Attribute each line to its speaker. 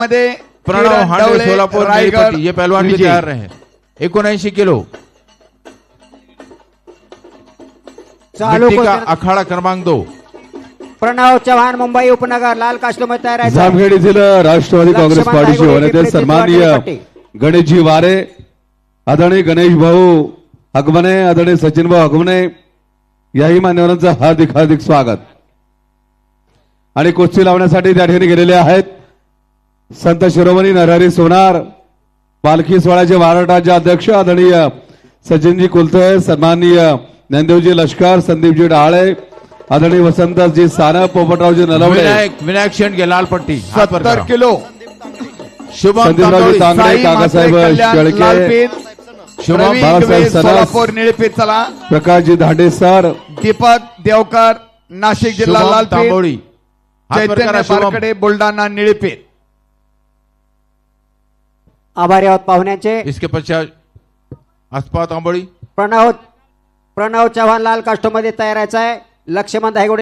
Speaker 1: मध्ये
Speaker 2: प्रणव
Speaker 1: किरण
Speaker 2: हांडे
Speaker 1: डवळे,
Speaker 2: सोलापुर
Speaker 1: रायगड,
Speaker 2: नईपट्टी ये पहलवान भी
Speaker 1: विजय।
Speaker 2: तैयार रहे 79 किलो।
Speaker 3: चालू
Speaker 2: मिट्टी का
Speaker 3: कुस्ती-
Speaker 2: अखाड़ा क्रमांक 2
Speaker 3: प्रणव चव्हाण मुंबई उपनगर लाल कास्टूम तयार आहे
Speaker 4: जामखेड येथील राष्ट्रवादी काँग्रेस
Speaker 3: लक्ष्मण
Speaker 4: पार्टीचे
Speaker 3: धायगुडे,
Speaker 4: वनेते
Speaker 3: पिंपरी
Speaker 4: सन्माननीय
Speaker 3: चिंचवड,
Speaker 4: गणेशजी वारे, आदरणीय गणेश भाऊ हगमने, आदरणीय सचिन भाऊ हगमने याही मान्यवरांचं हार्दिक हार्दिक स्वागत। आणि कुस्ती लावण्यासाठी त्या ठिकाणी गेलेले आहेत संत शिरोमणी नरहरी सोनार पालखी सोहळ्याचे महाराष्ट्राचे अध्यक्ष आदरणीय सचिनजी कुलते, सन्माननीय ज्ञानदेवजी लष्कर, संदीपजी डाळे, आदरणीय वसंतजी सानप, पोपटरावजी नलवडे,
Speaker 2: विनायक शेंडगे लाल पट्टी हाथ पर
Speaker 1: 70
Speaker 2: करा।
Speaker 1: किलो।
Speaker 2: शुभम
Speaker 4: संदीपरावजी
Speaker 2: तांबोळी,
Speaker 4: तांगडे,
Speaker 1: साई
Speaker 4: काकासाहेब
Speaker 1: म्हात्रे, कल्याण,
Speaker 4: शेळके,
Speaker 1: लालपीत,
Speaker 2: शुभम
Speaker 1: प्रवीण
Speaker 4: बाळासाहेब
Speaker 1: दुबे,
Speaker 4: सरास,
Speaker 1: सोलापूर निळपीत चला।
Speaker 4: प्रकाशजी धांडे सर,
Speaker 1: दीपक देवकर नाशिक जिल्हा
Speaker 2: शुभम
Speaker 1: लालपीत,
Speaker 2: तांबोळी हाथ पर
Speaker 1: चैतन्य
Speaker 2: करा। शुभम
Speaker 1: पारकडे बुलढाणा निळपीत।
Speaker 3: आभारी आहोत पाहुण्यांचे।
Speaker 2: इसके पश्चात अस्पा तांबोळी
Speaker 3: प्रणव चव्हाण लाल कास्टूम मध्ये तयार आहे लक्ष्मण धायगुडे